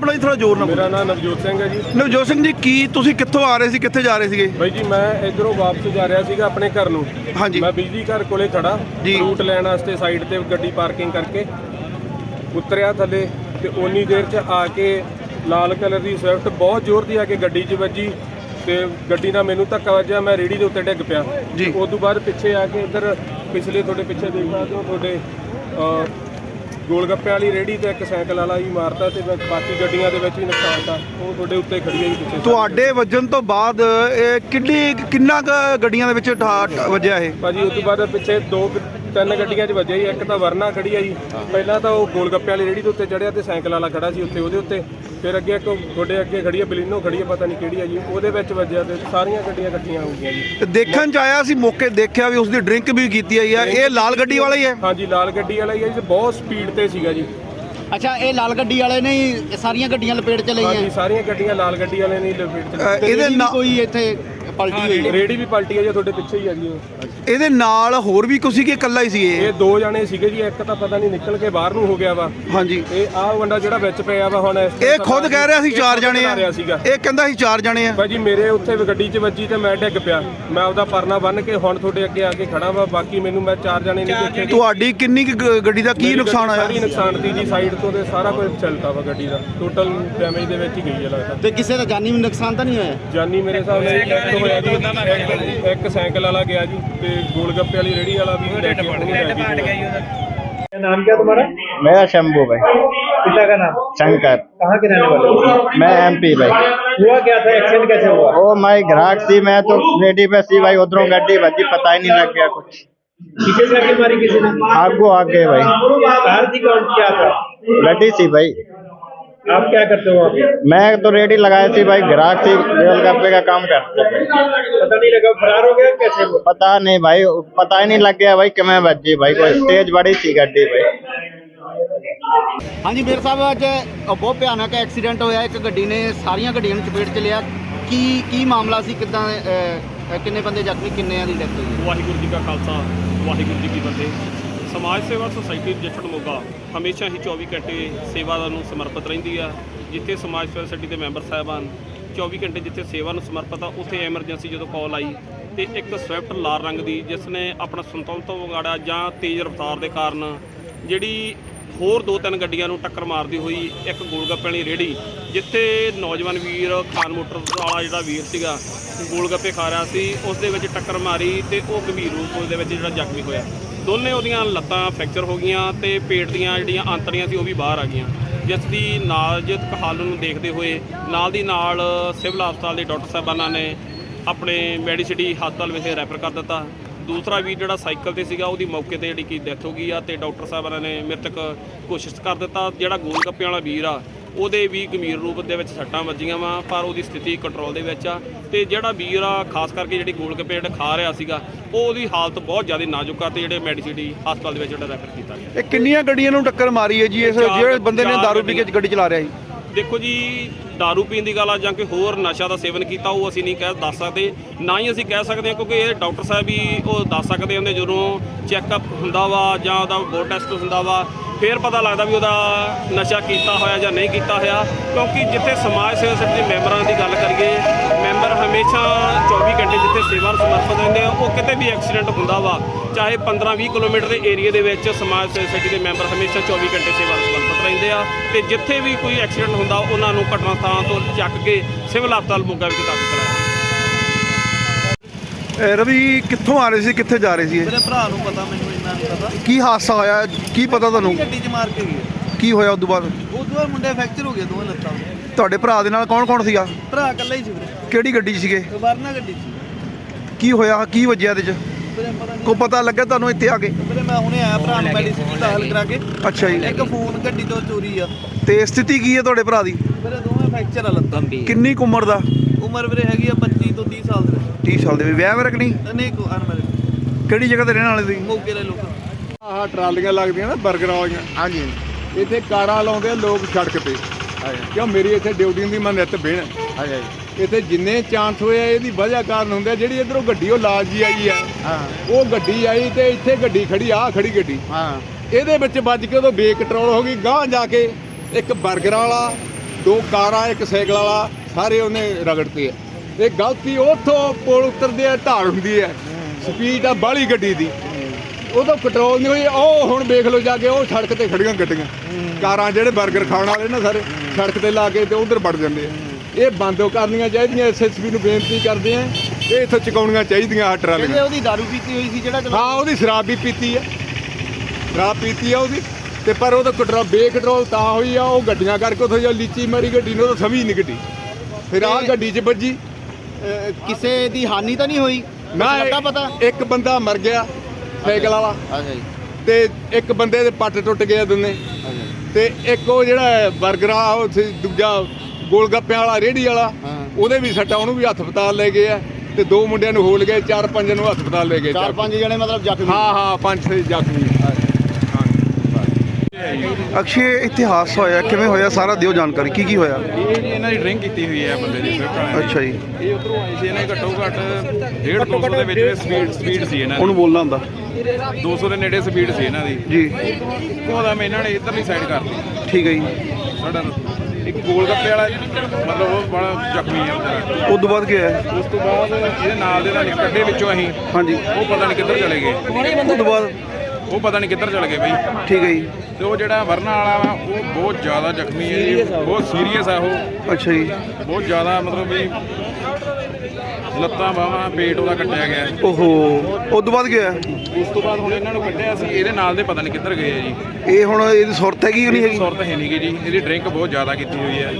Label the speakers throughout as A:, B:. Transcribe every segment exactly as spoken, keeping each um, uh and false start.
A: ਆਪਣਾ ਜੀ, ਥੋੜਾ ਜ਼ੋਰ ਨਾਲ।
B: ਮੇਰਾ ਨਾਮ ਨਵਜੋਤ ਸਿੰਘ ਹੈ ਜੀ।
A: ਨਵਜੋਤ ਸਿੰਘ ਜੀ, ਕੀ ਤੁਸੀਂ ਕਿੱਥੋਂ ਆ ਰਹੇ ਸੀ, ਕਿੱਥੇ ਜਾ ਰਹੇ ਸੀਗੇ?
B: ਬਾਈ ਜੀ ਮੈਂ ਇਧਰੋਂ ਵਾਪਸ ਜਾ ਰਿਹਾ ਸੀਗਾ ਆਪਣੇ ਘਰ ਨੂੰ।
A: ਹਾਂਜੀ।
B: ਮੈਂ ਬਿਜਲੀ ਘਰ ਕੋਲੇ ਖੜਾ
A: ਜੀ।
B: ਰੂਟ ਲੈਣ ਵਾਸਤੇ ਸਾਈਡ ਤੇ ਗੱਡੀ ਪਾਰਕਿੰਗ ਕਰਕੇ ਉਤਰਿਆ ਥੱਲੇ, ਤੇ ਉਨੀ ਦੇਰ 'ਚ ਆ ਕੇ ਲਾਲ ਕਲਰ ਦੀ ਸਵਿਫਟ ਬਹੁਤ ਜ਼ੋਰ ਦੀ ਆ ਕੇ ਗੱਡੀ 'ਚ ਵੱਜੀ, ਤੇ ਗੱਡੀ ਨਾਲ ਮੈਨੂੰ ਧੱਕਾ ਵੱਜਿਆ। ਮੈਂ ਰੇੜੀ ਦੇ ਉੱਤੇ ਡਿੱਗ ਪਿਆ ਜੀ। ਉਸ ਤੋਂ ਬਾਅਦ ਪਿੱਛੇ ਆ ਕੇ ਇੱਧਰ ਪਿਛਲੇ ਤੁਹਾਡੇ ਪਿੱਛੇ ਦੇਖ ਸਕਦੇ ਹੋ, ਤੁਹਾਡੇ ਗੋਲ ਗੱਪੇ ਵਾਲੀ ਰੇੜੀ ਤੇ ਇੱਕ ਸਾਈਕਲ ਵਾਲਾ ਵੀ ਮਾਰਤਾ, ਤੇ ਬਾਕੀ ਗੱਡੀਆਂ ਦੇ ਵਿੱਚ ਵੀ ਨੁਕਸਾਨ ਤਾਂ ਉਹ ਤੁਹਾਡੇ ਉੱਤੇ ਖੜੀ ਹੈ ਜੀ ਪਿੱਛੇ।
A: ਤੁਹਾਡੇ ਵੱਜਣ ਤੋਂ ਬਾਅਦ ਇਹ ਕਿੰਨੀ ਕਿੰਨਾ ਕੁ ਗੱਡੀਆਂ ਦੇ ਵਿੱਚ ਠਾ- ਵੱਜਿਆ ਇਹ?
B: ਭਾਜੀ ਉਸ ਤੋਂ ਬਾਅਦ ਪਿੱਛੇ ਦੋ ਤਿੰਨ ਗੱਡੀਆਂ 'ਚ ਵੱਜਿਆ ਜੀ। ਇੱਕ ਤਾਂ ਵਰਨਾ ਖੜੀ ਆ ਜੀ, ਪਹਿਲਾਂ ਤਾਂ ਉਹ ਗੋਲ ਗੱਪੇ ਵਾਲੀ ਰੇੜੀ ਦੇ ਉੱਤੇ ਚੜਿਆ ਤੇ ਸਾਈਕਲ ਵਾਲਾ ਖੜਾ ਸੀ ਉੱਤੇ, ਉਹਦੇ ਉੱਤੇ। ਫਿਰ ਅੱਗੇ ਇੱਕ ਤੁਹਾਡੇ ਅੱਗੇ ਖੜੀ ਆ ਬਲੀਨੋ ਖੜੀ ਆ, ਪਤਾ ਨਹੀਂ ਕਿਹੜੀ ਆ ਜੀ, ਉਹਦੇ ਵਿੱਚ ਵੱਜਿਆ ਤੇ ਸਾਰੀਆਂ ਗੱਡੀਆਂ ਇਕੱਠੀਆਂ ਹੋ ਗਈਆਂ ਜੀ।
A: ਤੇ ਦੇਖਣ 'ਚ ਆਇਆ ਸੀ, ਮੌਕੇ ਦੇਖਿਆ ਵੀ ਉਸਦੀ ਡਰਿੰਕ ਵੀ ਕੀਤੀ ਆਈ ਹੈ। ਇਹ ਲਾਲ ਗੱਡੀ ਵਾਲਾ ਹੀ ਹੈ?
B: ਹਾਂਜੀ ਲਾਲ ਗੱਡੀ ਵਾਲਾ ਹੀ ਹੈ ਜੀ, ਬਹੁਤ ਸਪੀਡ ਤੇ ਸੀਗਾ ਜੀ।
C: ਅੱਛਾ, ਇਹ ਲਾਲ ਗੱਡੀ ਵਾਲੇ ਨੇ ਹੀ ਸਾਰੀਆਂ ਗੱਡੀਆਂ ਲਪੇਟ ਚ ਲਈਆਂ?
B: ਹਾਂਜੀ ਸਾਰੀਆਂ ਗੱਡੀਆਂ ਲਾਲ ਗੱਡੀ ਵਾਲੇ ਨੇ ਲਪੇਟ ਚ।
A: ਅ, ਇਹਦੇ ਨਾਲ
C: ਕੋਈ ਇੱਥੇ ਪਲਟੀ ਹੋਈ?
B: ਰੇੜੀ ਵੀ ਪਲਟੀ ਹੈ ਜੀ, ਤੁਹਾਡੇ ਪਿੱਛੇ ਹੀ ਆ ਜੀ ਉਹ।
A: ਇਹਦੇ ਨਾਲ ਹੋਰ ਵੀ ਕੁਛ ਸੀ ਕਿ ਇਕੱਲਾ ਹੀ ਸੀ ਇਹ?
B: ਇਹ ਦੋ ਜਣੇ ਸੀਗੇ ਜੀ, ਇੱਕ ਤਾਂ ਪਤਾ ਨਹੀਂ ਨਿਕਲ ਕੇ ਬਾਹਰ ਨੂੰ ਹੋ ਗਿਆ ਵਾ।
A: ਹਾਂਜੀ।
B: ਇਹ ਆਹ ਬੰਦਾ ਜਿਹੜਾ ਵਿੱਚ ਪਿਆ ਵਾ ਹੁਣ ਇਸ
A: ਇਹ ਖੁਦ ਕਹਿ ਰਿਹਾ ਸੀ ਚਾਰ ਜਣੇ ਆ।
B: ਰਿਹਾ ਸੀਗਾ
A: ਇਹ ਕਹਿੰਦਾ ਸੀ ਚਾਰ ਜਣੇ ਆ।
B: ਭਾਜੀ ਮੇਰੇ ਉੱਥੇ ਗੱਡੀ 'ਚ ਵੱਜੀ ਤੇ ਮੈਂ ਡਿੱਗ ਪਿਆ। ਮੈਂ ਆਪਦਾ ਪਰਨਾ ਬੰਨ ਕੇ ਹੁਣ ਤੁਹਾਡੇ ਅੱਗੇ ਆ ਕੇ ਖੜਾ ਵਾ। ਬਾਕੀ ਮੈਨੂੰ ਮੈਂ ਚਾਰ ਜਣੇ ਨਹੀਂ ਦੇਖੇ।
A: ਤੁਹਾਡੀ ਕਿੰਨੀ ਕੁ ਗ- ਗੱਡੀ ਦਾ ਕੀ ਨੁਕਸਾਨ ਆਇਆ?
B: ਸਾਰੀ ਨੁਕਸਾਨ ਦੀ ਜੀ, ਸਾਈਡ ਤੋਂ ਤੇ ਸਾਰਾ ਕੁਝ ਚੱਲਦਾ ਵਾ ਗੱਡੀ ਦਾ, ਟੋਟਲ ਡੈਮੇਜ ਦੇ ਵਿੱਚ ਹੀ ਗਈ ਹੈ ਲੱਗਦਾ।
C: ਤੇ ਕਿਸੇ ਦਾ ਜਾਨੀ ਨੁਕਸਾਨ ਤਾਂ ਨਹੀਂ ਹੋਇਆ?
B: ਜਾਨੀ ਮੇਰੇ ਹਿਸਾਬ ਨਾਲ ਇੱਕ ਹੋਇਆ ਜੀ, ਇੱਕ- ਇੱਕ ਸਾਈਕਲ ਵਾਲਾ ਗਿਆ ਜੀ, ਤੇ ਗੋਲ ਗੱਪੇ ਵਾਲੀ ਰੇੜੀ ਵਾਲਾ ਵੀ ਲੈ ਕੇ ਉਹਨੂੰ ਲੈ ਗਈ।
D: नाम क्या तुम्हारा?
E: मेरा शंभू भाई।
D: पिता का नाम?
E: शंकर।
D: कहाँ के रहने वाले हो?
E: मैं एमपी भाई।
D: हुआ क्या था, एक्सीडेंट कैसे हुआ?
E: ओ मैं ग्राहक थी, मैं तो रेडी पे सी भाई, उधरों गड्डी बजी, पता ही नहीं लग गया कुछ।
D: पीछे से आगे मारी किसी ने?
E: आगू आ गए भाई।
D: कार थी कौन, क्या था?
E: गड्डी सी भाई।
D: आप क्या करते हो वहाँ पे?
E: मैं तो रेडी लगाई थी भाई, ग्राहक थी, गोलगप्पे का काम करते थे।
D: पता नहीं लगा, फरार हो गया कैसे हुआ?
E: पता नहीं भाई, पता ही नहीं लग गया भाई कि मैं बजी भाई, कोई तेज बड़ी सी गड्डी भाई।
C: ਹਾਂਜੀ ਮੇਰ ਸਾਹਿਬ, ਅੱਜ ਬਹੁਤ ਭਿਆਨਕ ਐਕਸੀਡੈਂਟ ਹੋਇਆ। ਇੱਕ ਗੱਡੀ ਨੇ ਸਾਰੀਆਂ ਗੱਡੀਆਂ ਨੂੰ ਚਪੇਟ ਚ ਲਿਆ। ਕੀ ਕੀ ਮਾਮਲਾ ਸੀ? ਕਿੱਦਾਂ ਅਹ, ਕਿੰਨੇ ਬੰਦੇ ਜ਼ਖਮੀ, ਕਿੰਨਿਆਂ ਦੀ ਡੈਥ ਹੋਈ?
F: ਵਾਹਿਗੁਰੂ ਜੀ ਕਾ ਖਾਲਸਾ, ਵਾਹਿਗੁਰੂ ਜੀ ਕੀ ਫਤਿਹ। ਸਮਾਜ ਸੇਵਾ ਸੁਸਾਇਟੀ ਰਜਿਸਟਰਡ ਮੋਗਾ ਹਮੇਸ਼ਾ ਹੀ ਚੌਵੀ ਘੰਟੇ ਸੇਵਾ ਨੂੰ ਸਮਰਪਿਤ ਰਹਿੰਦੀ ਆ। ਜਿੱਥੇ ਸਮਾਜ ਸੇਵਾ ਸੁਸਾਇਟੀ ਦੇ ਮੈਂਬਰ ਸਾਹਿਬਾਨ ਚੌਵੀ ਘੰਟੇ ਜਿੱਥੇ ਸੇਵਾ ਨੂੰ ਸਮਰਪਿਤ ਆ, ਉੱਥੇ ਐਮਰਜੈਂਸੀ ਜਦੋਂ ਕਾਲ ਆਈ ਤੇ ਇੱਕ ਸਵਿਫਟ ਲਾਲ ਰੰਗ ਦੀ, ਜਿਸ ਨੇ ਆਪਣਾ ਸੰਤੁਲਨ ਤੋਂ ਵਿਗਾੜਿਆ ਜਾਂ ਤੇਜ਼ ਰਫ਼ਤਾਰ ਦੇ ਕਾਰਨ ਜਿਹੜੀ ਹੋਰ ਦੋ ਤਿੰਨ ਗੱਡੀਆਂ ਨੂੰ ਟੱਕਰ ਮਾਰਦੀ ਹੋਈ ਇੱਕ ਗੋਲਗੱਪੇ ਵਾਲੀ ਰੇਹੜੀ, ਜਿੱਥੇ ਨੌਜਵਾਨ ਵੀਰ ਖਾਨ ਮੋਟਰ ਵਾਲਾ ਜਿਹੜਾ ਵੀਰ ਸੀਗਾ ਗੋਲਗੱਪੇ ਖਾ ਰਿਹਾ ਸੀ, ਉਸ ਦੇ ਵਿੱਚ ਟੱਕਰ ਮਾਰੀ ਤੇ ਉਹ ਗੰਭੀਰ ਰੂਪ ਦੇ ਵਿੱਚ ਜਿਹੜਾ ਜ਼ਖਮੀ ਹੋਇਆ। ਦੋਨੇ ਉਹਦੀਆਂ ਲੱਤਾਂ ਫ੍ਰੈਕਚਰ ਹੋ ਗਈਆਂ ਤੇ ਪੇਟ ਦੀਆਂ ਜਿਹੜੀਆਂ ਆਂਤੜੀਆਂ ਸੀ ਉਹ ਵੀ ਬਾਹਰ ਆ ਗਈਆਂ, ਜਿਸ ਦੀ ਨਾਜ਼ੁਕ ਹਾਲਤ ਨੂੰ ਦੇਖਦੇ ਹੋਏ ਨਾਲ ਦੀ ਨਾਲ ਸਿਵਲ ਹਸਪਤਾਲ ਦੇ ਡਾਕਟਰ ਸਾਹਿਬਾਨਾਂ ਨੇ ਆਪਣੇ ਮੈਡੀਸਿਟੀ ਹਸਪਤਾਲ ਵਿਖੇ ਰੈਫਰ ਕਰ ਦਿੱਤਾ। ਦੂਸਰਾ ਵੀਰ ਜਿਹੜਾ ਸਾਈਕਲ ਤੇ ਸੀਗਾ ਉਹਦੀ ਮੌਕੇ ਤੇ ਜਿਹੜੀ ਕਿ ਡੈਥ ਹੋ ਗਈ ਆ, ਤੇ ਡਾਕਟਰ ਸਾਹਿਬਾਨਾਂ ਨੇ ਮ੍ਰਿਤਕ ਘੋਸ਼ਿਤ ਕਰ ਦਿੱਤਾ। ਜਿਹੜਾ ਗੋਲ ਗੱਪੇ ਵਾਲਾ ਵੀਰ ਆ ਉਹਦੇ ਵੀ ਗੰਭੀਰ ਰੂਪ ਦੇ ਵਿੱਚ ਸੱਟਾਂ ਵੱਜੀਆਂ ਵਾ, ਪਰ ਉਹਦੀ ਸਥਿਤੀ ਕੰਟਰੋਲ ਦੇ ਵਿੱਚ ਆ। ਤੇ ਜਿਹੜਾ ਵੀਰ ਆ ਖਾਸ ਕਰਕੇ ਜਿਹੜੀ ਗੋਲ ਗੱਪੇ ਜਿਹੜੇ ਖਾ ਰਿਹਾ ਸੀਗਾ, ਉਹ ਉਹਦੀ ਹਾਲਤ ਬਹੁਤ ਜ਼ਿਆਦਾ ਨਾਜ਼ੁਕ ਆ, ਤੇ ਜਿਹੜੇ ਮੈਡੀਸਿਟੀ ਹਸਪਤਾਲ ਦੇ ਵਿੱਚ ਜਿਹੜਾ ਰੈਫਰ ਕੀਤਾ ਗਿਆ।
A: ਇਹ ਕਿੰਨੀਆਂ ਗੱਡੀਆਂ ਨੂੰ ਟੱਕਰ ਮਾਰੀ ਹੈ ਜੀ ਇਸ ਜਿਹੜੇ ਬੰਦੇ ਨੇ ਦਾਰੂ ਪੀ ਕੇ ਗੱਡੀ ਚਲਾ ਰਿਹਾ ਸੀ?
F: ਦੇਖੋ ਜੀ, ਦਾਰੂ ਪੀਣ ਦੀ ਗੱਲ ਆ ਜਾਂ ਕੋਈ ਹੋਰ ਨਸ਼ਾ ਦਾ ਸੇਵਨ ਕੀਤਾ, ਉਹ ਅਸੀਂ ਨਹੀਂ ਕਹਿ ਦੱਸ ਸਕਦੇ, ਨਾ ਹੀ ਅਸੀਂ ਕਹਿ ਸਕਦੇ ਹਾਂ, ਕਿਉਂਕਿ ਇਹ ਡਾਕਟਰ ਸਾਹਿਬ ਹੀ ਉਹ ਦੱਸ ਸਕਦੇ ਹੁੰਦੇ ਜਦੋਂ ਚੈੱਕਅਪ ਹੁੰਦਾ ਵਾ ਜਾਂ ਉਹਦਾ ਬਲੱਡ ਟੈਸਟ ਹੁੰਦਾ ਵਾ, ਫਿਰ ਪਤਾ ਲੱਗਦਾ ਵੀ ਉਹਦਾ ਨਸ਼ਾ ਕੀਤਾ ਹੋਇਆ ਜਾਂ ਨਹੀਂ ਕੀਤਾ ਹੋਇਆ। ਕਿਉਂਕਿ ਜਿੱਥੇ ਸਮਾਜ ਸੇਵਾ ਸੁਸਾਇਟੀ ਦੇ ਮੈਂਬਰਾਂ ਦੀ ਗੱਲ ਕਰੀਏ, ਮੈਂਬਰ ਹਮੇਸ਼ਾ ਚੌਵੀ ਘੰਟੇ ਜਿੱਥੇ ਸੇਵਾ ਨੂੰ ਸਮਰਪਿਤ ਰਹਿੰਦੇ ਆ। ਉਹ ਕਿਤੇ ਵੀ ਐਕਸੀਡੈਂਟ ਹੁੰਦਾ ਵਾ, ਚਾਹੇ ਪੰਦਰਾਂ ਵੀਹ ਕਿਲੋਮੀਟਰ ਦੇ ਏਰੀਏ ਦੇ ਵਿੱਚ, ਸਮਾਜ ਸੇਵਾ ਸੁਸਾਇਟੀ ਦੇ ਮੈਂਬਰ ਹਮੇਸ਼ਾ ਚੌਵੀ ਘੰਟੇ ਸੇਵਾ ਨੂੰ ਸਮਰਪਿਤ ਰਹਿੰਦੇ ਆ। ਤੇ ਜਿੱਥੇ ਵੀ ਕੋਈ ਐਕਸੀਡੈਂਟ ਹੁੰਦਾ ਉਹਨਾਂ ਨੂੰ ਘਟਨਾ ਸਥਾਨ ਤੋਂ ਚੱਕ ਕੇ ਸਿਵਲ ਹਸਪਤਾਲ ਮੋਗਾ ਵਿੱਚ ਦਾਖਲ ਕਰਾਇਆ।
A: ਰਵੀ, ਕਿੱਥੋਂ ਆ ਰਹੇ ਸੀ, ਕਿੱਥੇ ਜਾ ਰਹੇ ਸੀ?
G: ਮੇਰੇ ਭਰਾ ਨੂੰ ਪਤਾ, ਮੈਨੂੰ ਇੰਨਾ ਨਹੀਂ ਪਤਾ।
A: ਕੀ ਹਾਦਸਾ ਹੋਇਆ, ਕੀ ਪਤਾ ਤੁਹਾਨੂੰ?
G: ਗੱਡੀ 'ਚ ਮਾਰ ਕੇ ਗਏ।
A: ਕੀ ਹੋਇਆ ਉਸ ਤੋਂ ਬਾਅਦ?
G: ਉਹ ਤੋਂ ਬਾਅਦ ਮੁੰਡੇ ਫ੍ਰੈਕਚਰ ਹੋ ਗਏ ਦੋਵੇਂ ਲੱਤਾਂ।
A: ਤੁਹਾਡੇ ਭਰਾ ਦੇ ਨਾਲ ਕੌਣ ਕੌਣ ਸੀਗਾ?
G: ਭਰਾ ਇਕੱਲਾ ਹੀ ਸੀ ਵੀਰੇ।
A: ਕਿਹੜੀ ਗੱਡੀ 'ਚ ਸੀਗੇ?
G: ਵਰਨਾ ਗੱਡੀ 'ਚ।
A: ਕੀ ਹੋਇਆ, ਕੀ ਵੱਜਿਆ ਇਹਦੇ 'ਚ?
G: ਵੀਰੇ ਪਤਾ ਨਹੀਂ।
A: ਕੋ ਪਤਾ ਲੱਗਾ ਤੁਹਾਨੂੰ ਇੱਥੇ ਆ ਕੇ?
G: ਵੀਰੇ ਮੈਂ ਹੁਣੇ ਆਇਆ, ਭਰਾ ਨੂੰ ਮੈਡੀਸਿਨ ਦਾਖਲ ਕਰਾ ਕੇ।
A: ਅੱਛਾ ਜੀ।
G: ਇੱਕ ਫੋਨ ਗੱਡੀ ਤੋਂ ਚੋਰੀ ਆ।
A: ਤੇ ਸਥਿਤੀ ਕੀ ਹੈ ਤੁਹਾਡੇ ਭਰਾ ਦੀ?
G: ਵੀਰੇ ਦੋਵੇਂ ਫ੍ਰੈਕਚਰ ਆ ਲੱਤਾਂ।
A: ਕਿੰਨੀ ਕੁ ਉਮਰ ਦਾ?
G: ਉਮਰ ਵੀਰੇ ਹੈਗੀ ਆ ਪੱਚੀ ਤੋਂ ਤੀਹ ਸਾਲ ਦੇ।
A: ਤੀਹ ਸਾਲ ਦੇ ਵੀ? ਵਿਆਹ ਵਰਕ ਨਹੀਂ?
G: ਨਹੀਂ ਕੋ ਅਨਮੈਰਿਡ।
A: ਕਿਹੜੀ ਜਗ੍ਹਾ ਤੇ ਰਹਿਣ ਵਾਲੇ ਤੁਸੀਂ?
G: ਮੋਗੇ ਦੇ ਲੋਕ।
B: ਆਹ ਟਰਾਲੀਆਂ ਲੱਗਦੀਆਂ ਨਾ ਬਰਗਰ ਵਾਲੀਆਂ,
E: ਹਾਂਜੀ।
B: ਇੱਥੇ ਕਾਰਾਂ ਲਾਉਂਦੇ ਆ ਲੋਕ ਸੜਕ ਤੇ, ਕਿਉਂ ਮੇਰੀ ਇੱਥੇ ਡਿਊਟੀ ਹੁੰਦੀ, ਮੈਂ ਨਿੱਤ ਬਹਿਣ।
E: ਹਾਂਜੀ।
B: ਇੱਥੇ ਜਿੰਨੇ ਚਾਂਸ ਹੋਏ ਆ ਇਹਦੀ ਵਜ੍ਹਾ ਕਾਰਨ ਹੁੰਦੇ ਆ। ਜਿਹੜੀ ਇੱਧਰੋਂ ਗੱਡੀ ਉਹ ਲਾਲ ਜੀ ਆਈ ਆ,
E: ਹਾਂ।
B: ਉਹ ਗੱਡੀ ਆਈ ਤੇ ਇੱਥੇ ਗੱਡੀ ਖੜੀ, ਆਹ ਖੜੀ ਗੱਡੀ,
E: ਹਾਂ।
B: ਇਹਦੇ ਵਿੱਚ ਵੱਜ ਕੇ ਉਦੋਂ ਬੇਕੰਟਰੋਲ ਹੋ ਗਈ। ਗਾਂਹ ਜਾ ਕੇ ਇੱਕ ਬਰਗਰ ਵਾਲਾ
H: ਦੋ ਕਾਰਾਂ ਇੱਕ ਸਾਈਕਲ ਵਾਲਾ ਸਾਰੇ ਉਹਨੇ ਰਗੜਤੇ ਆ। ਇਹ ਗਲਤੀ ਉੱਥੋਂ ਪੁਲ ਉਤਰਦੇ ਆ ਢਾਲ ਹੁੰਦੀ ਹੈ, ਸਪੀਡ ਆ ਬਾਹਲੀ ਗੱਡੀ ਦੀ, ਉਦੋਂ ਕੰਟਰੋਲ ਨਹੀਂ ਹੋਈ। ਉਹ ਹੁਣ ਵੇਖ ਲਓ ਜਾ ਕੇ ਉਹ ਸੜਕ ਤੇ ਖੜੀਆਂ ਗੱਡੀਆਂ, ਕਾਰਾਂ ਜਿਹੜੇ 버ਗਰ ਖਾਣ ਵਾਲੇ ਨਾ ਸਾਰੇ ਸੜਕ ਤੇ ਲਾ ਕੇ ਤੇ ਉਧਰ ਵੜ ਜਾਂਦੇ ਆ। ਇਹ ਬੰਦ ਕਰਨੀਆਂ ਚਾਹੀਦੀਆਂ, ਐਸ ਐਸ ਪੀ ਨੂੰ ਬੇਨਤੀ ਕਰਦੇ ਆ, ਇਹ ਇੱਥੋਂ ਚੁਕਾਉਣੀਆਂ ਚਾਹੀਦੀਆਂ ਆਹ
C: ਕਹਿੰਦੇ
H: ਟਰਾਲੀਆਂ।
C: ਉਹਦੀ ਦਾਰੂ ਪੀਤੀ ਹੋਈ ਸੀ ਜਿਹੜਾ ਚਲਾ
H: ਹਾਂ ਉਹਦੀ ਸ਼ਰਾਬ ਵੀ ਪੀਤੀ ਆ, ਸ਼ਰਾਬ ਪੀਤੀ ਆ ਉਹਦੀ, ਤੇ ਪਰ ਉਹਦਾ ਕੰਟਰੋਲ ਬੇਕੰਟਰੋਲ ਤਾਂ ਹੋਈ ਆ, ਉਹ ਗੱਡੀਆਂ ਕਰਕੇ ਉੱਥੋਂ ਜੋ ਲੀਚੀ ਮਾਰੀ ਗੱਡੀ ਨੂੰ, ਉਹ ਤਾਂ ਸਮਝ ਨਹੀਂ ਗੱਡੀ, ਫਿਰ ਆਹ ਗੱਡੀ 'ਚ ਵੱਜੀ।
C: ਅਹ ਕਿਸੇ ਦੀ ਹਾਨੀ ਤਾਂ ਨਹੀਂ ਹੋਈ?
H: ਨਾ
C: ਲੱਗਾ ਪਤਾ?
H: ਇੱਕ ਬੰਦਾ ਮਰ ਗਿਆ ਸਾਈਕਲ ਵਾਲਾ,
C: ਅੱਛਾ ਜੀ,
H: ਤੇ ਇੱਕ ਬੰਦੇ ਦੇ ਪੱਟ ਟੁੱਟ ਗਏ ਦੋਨੇ, ਤੇ ਇੱਕ ਉਹ ਜਿਹੜਾ 버ਗਰ ਆ ਉਹ ਸੀ ਦੂਜਾ ਗੋਲ ਗੱਪਿਆਂ ਵਾਲਾ ਰੇਹੜੀ ਵਾਲਾ, ਉਹਦੇ ਵੀ ਸੱਟਾਂ, ਉਹਨੂੰ ਵੀ ਹਸਪਤਾਲ ਲੈ ਗਏ ਆ, ਤੇ ਦੋ ਮੁੰਡਿਆਂ ਨੂੰ ਹੋਲ ਗਏ, ਚਾਰ ਪੰਜ ਨੂੰ ਹਸਪਤਾਲ ਲੈ ਗਏ।
C: ਚਾਰ ਪੰਜ ਜਣੇ ਮਤਲਬ ਜ਼ਖਮੀ?
H: ਹਾਂ ਹਾਂ ਪੰਜ ਛੇ ਜ਼ਖਮੀ।
A: ਅਕਸ਼ੇ ਇੱਥੇ ਹਾਦਸਾ ਹੋਇਆ ਕਿਵੇਂ ਹੋਇਆ, ਸਾਰਾ ਦਿਓ ਜਾਣਕਾਰੀ, ਕੀ ਕੀ ਹੋਇਆ?
I: ਇਹ ਜੀ ਇਹਨਾਂ ਦੀ ਡਰਿੰਕ ਕੀਤੀ ਹੋਈ ਹੈ ਬੰਦੇ ਦੀ ਸਵਿਫਟ ਵਾਲਿਆਂ ਦੀ।
A: ਅੱਛਾ ਜੀ।
I: ਇਹ ਉਧਰੋਂ ਆਏ ਸੀ, ਇਹਨਾਂ ਦੀ ਘੱਟੋ ਘੱਟ ਡੇਢ ਦੋ ਸੌ ਦੇ ਵਿੱਚ ਸਪੀਡ ਸਪੀਡ ਸੀ ਇਹਨਾਂ
A: ਉਹਨੂੰ ਬੋਲਣਾ ਹੁੰਦਾ
I: ਦੀ, ਦੋ ਸੌ ਦੇ ਨੇੜੇ ਸਪੀਡ ਸੀ ਇਹਨਾਂ ਦੀ
A: ਜੀ।
I: ਉਹਦਾ ਮੈਂ ਇਹਨਾਂ ਨੇ ਇੱਧਰਲੀ ਸਾਈਡ ਕਰਤੀ
A: ਠੀਕ ਹੈ ਜੀ।
I: ਸਾਡਾ ਇੱਕ ਗੋਲ ਗੱਪੇ ਵਾਲਾ ਮਤਲਬ ਉਹ ਬੜਾ ਜ਼ਖਮੀ ਹੈ ਵਿਚਾਰਾ।
A: ਉਸ ਤੋਂ ਬਾਅਦ ਕੀ ਹੋਇਆ?
I: ਉਸ ਤੋਂ ਬਾਅਦ ਇਹਦੇ ਨਾਲ ਦੇ ਨਾਲ ਕੱਢੇ ਵਿੱਚੋਂ ਅਸੀਂ,
A: ਹਾਂਜੀ।
I: ਉਹ ਪਤਾ ਨਹੀਂ ਕਿੱਧਰ ਚਲੇ ਗਏ,
A: ਉਸ ਤੋਂ ਬਾਅਦ
I: ਉਹ ਪਤਾ ਨਹੀਂ ਕਿੱਧਰ ਚਲੇ ਗਏ ਬਈ।
A: ਠੀਕ ਹੈ ਜੀ।
I: ਤੇ ਉਹ ਜਿਹੜਾ ਵਰਨਾ ਵਾਲਾ ਵਾ ਉਹ ਬਹੁਤ ਜ਼ਿਆਦਾ ਜ਼ਖਮੀ ਹੈ ਜੀ, ਬਹੁਤ ਸੀਰੀਅਸ ਆ ਉਹ,
A: ਅੱਛਾ ਜੀ।
I: ਬਹੁਤ ਜ਼ਿਆਦਾ ਮਤਲਬ ਵੀ ਲੱਤਾਂ ਬਾਹਾਂ ਪੇਟ ਉਹਦਾ ਕੱਟਿਆ ਗਿਆ।
A: ਓਹੋ, ਉਸ ਤੋਂ ਬਾਅਦ ਕੀ ਹੋਇਆ?
I: ਉਸ ਤੋਂ ਬਾਅਦ ਹੁਣ ਇਹਨਾਂ ਨੂੰ ਕੱਢਿਆ ਸੀ, ਇਹਦੇ ਨਾਲ ਦੇ ਪਤਾ ਨਹੀਂ ਕਿੱਧਰ ਗਏ ਆ ਜੀ।
A: ਇਹ ਹੁਣ ਇਹਦੀ ਸੁਰਤ ਹੈਗੀ ਕਿ ਨਹੀਂ ਹੈਗੀ?
I: ਸੁਰਤ ਹੈ ਨਹੀਂ ਗੀ ਜੀ, ਇਹਦੀ ਡਰਿੰਕ ਬਹੁਤ ਜ਼ਿਆਦਾ ਕੀਤੀ ਹੋਈ ਹੈ।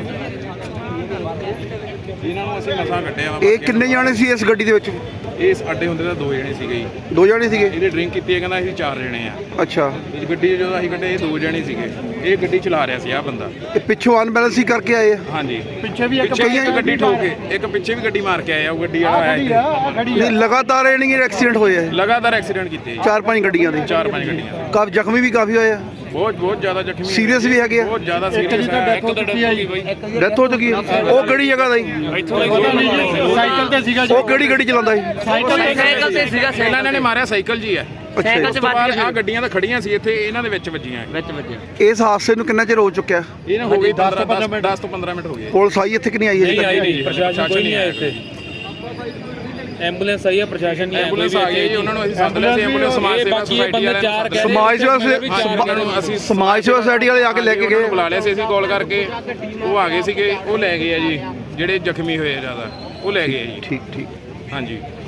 I: ਇਹਨਾਂ ਨੂੰ ਅਸੀਂ ਮਸਾਂ ਕੱਢਿਆ ਵਾ।
A: ਇਹ ਕਿੰਨੇ ਜਾਣੇ ਸੀ ਇਸ ਗੱਡੀ ਦੇ ਵਿੱਚ?
I: ਇਸ ਅੱਡੇ ਹੁੰਦੇ ਤਾਂ ਦੋ ਜਣੇ ਸੀਗੇ ਜੀ,
A: ਦੋ ਜਾਣੇ ਸੀਗੇ?
I: ਇਹਦੇ ਡਰਿੰਕ ਕੀਤੀ ਹੈ, ਕਹਿੰਦਾ ਅਸੀਂ ਚਾਰ ਜਣੇ ਆ।
A: ਅੱਛਾ।
I: ਇਹ ਗੱਡੀ 'ਚ ਜਦੋਂ ਅਸੀਂ ਕੱਢੇ ਇਹ ਦੋ ਜਣੇ ਸੀਗੇ, ਇਹ ਗੱਡੀ ਚਲਾ ਰਿਹਾ ਸੀ ਆਹ ਬੰਦਾ।
A: ਇਹ ਪਿੱਛੋਂ ਅਨਬੈਲੈਂਸ ਹੀ ਕਰਕੇ ਆਏ ਆ?
I: ਹਾਂਜੀ, ਪਿੱਛੇ ਵੀ ਇੱਕ ਗੱਡੀ ਠੋਕ ਕੇ, ਇੱਕ ਪਿੱਛੇ ਵੀ ਗੱਡੀ ਮਾਰ ਕੇ ਆਇਆ, ਉਹ ਗੱਡੀ ਵਾਲਾ ਆਇਆ ਇੱਥੇ।
A: ਨਹੀਂ, ਲਗਾਤਾਰ ਇਹ ਨਹੀਂ ਐਕਸੀਡੈਂਟ ਹੋਏ ਆ?
I: ਲਗਾਤਾਰ ਐਕਸੀਡੈਂਟ ਕੀਤੇ ਜੀ,
A: ਚਾਰ ਪੰਜ ਗੱਡੀਆਂ ਦੇ?
I: ਚਾਰ ਪੰਜ ਗੱਡੀਆਂ।
A: ਕਾਫੀ ਜ਼ਖਮੀ ਵੀ ਕਾਫੀ ਹੋਏ ਆ?
I: ਬਹੁਤ ਬਹੁਤ ਜ਼ਿਆਦਾ ਜ਼ਖਮੀ,
A: ਸੀਰੀਅਸ ਵੀ ਹੈਗੇ ਆ?
I: ਬਹੁਤ ਜ਼ਿਆਦਾ ਸੀਰੀਅਸ ਹੈ। ਇੱਕ ਤਾਂ ਡੈਥ ਹੋ ਚੁੱਕੀ ਹੈ ਜੀ ਬਾਈ।
A: ਡੈਥ ਹੋ ਚੁੱਕੀ ਹੈ? ਉਹ ਕਿਹੜੀ ਜਗ੍ਹਾ ਦਾ ਜੀ?
B: ਸਾਈਕਲ ਤੇ ਸੀਗਾ
A: ਉਹ ਕਿਹੜੀ ਗੱਡੀ ਚਲਾਉਂਦਾ ਸੀ?
I: ਸਾਈਕਲ ਤੇ ਸੀਗਾ, ਪਹਿਲਾਂ ਇਹਨਾਂ ਨੇ ਮਾਰਿਆ ਸਾਈਕਲ ਜੀ ਹੈ।
A: ਅੱਛਾ ਜੀ।
I: ਉਸ ਤੋਂ ਬਾਅਦ ਆਹ ਗੱਡੀਆਂ ਤਾਂ ਖੜੀਆਂ ਸੀ ਇੱਥੇ, ਇਹਨਾਂ ਦੇ ਵਿੱਚ ਵੱਜੀਆਂ ਵਿੱਚ ਵੱਜੀਆਂ।
A: ਇਸ ਹਾਦਸੇ ਨੂੰ ਕਿੰਨਾ ਚਿਰ ਹੋ ਚੁੱਕਿਆ?
I: ਇਹਨਾਂ ਹੋ ਗਈ ਦਸ ਤੋਂ ਪੰਦਰਾਂ ਮਿੰਟ ਹੋ ਗਏ।
A: ਪੁਲਿਸ ਆਈ ਇੱਥੇ ਕਿ ਨਹੀਂ ਆਈ ਹੈ?
I: ਨਹੀਂ ਆਈ ਨਹੀਂ, ਪ੍ਰਸ਼ਾਸਨ ਕੋਈ ਨਹੀਂ ਆਇਆ ਇੱਥੇ।
J: ਐਂਬੂਲੈਂਸ ਆਈ ਹੈ, ਪ੍ਰਸ਼ਾਸਨ ਨਹੀਂ
I: ਐਂਬੂਲੈਂਸ ਆ ਗਈ ਜੀ, ਉਹਨਾਂ ਨੂੰ ਅਸੀਂ ਸੱਦ ਲਿਆ ਸੀ। ਐਂਬੂਲੈਂਸ ਸਮਾਜ ਸੇਵਾ ਸੁਸਾਇਟੀ ਵਾਲਿਆਂ ਨੇ,
A: ਸਮਾਜ ਸੇਵਾ
I: ਉਹਨਾਂ ਨੂੰ ਅਸੀਂ
A: ਸਮਾਜ ਸੇਵਾ ਸੁਸਾਇਟੀ ਵਾਲੇ ਆ ਕੇ ਲੈ ਕੇ
I: ਉਹਨਾਂ ਨੂੰ
A: ਗਏ?
I: ਬੁਲਾ ਲਿਆ ਸੀ ਅਸੀਂ ਕਾਲ ਕਰਕੇ, ਉਹ ਆ ਗਏ ਸੀਗੇ, ਉਹ ਲੈ ਗਏ ਆ ਜੀ, ਜਿਹੜੇ ਜ਼ਖਮੀ ਹੋਏ ਆ ਜ਼ਿਆਦਾ ਉਹ ਲੈ ਗਏ ਆ ਜੀ।
A: ਠੀਕ ਠੀਕ।
I: ਹਾਂਜੀ।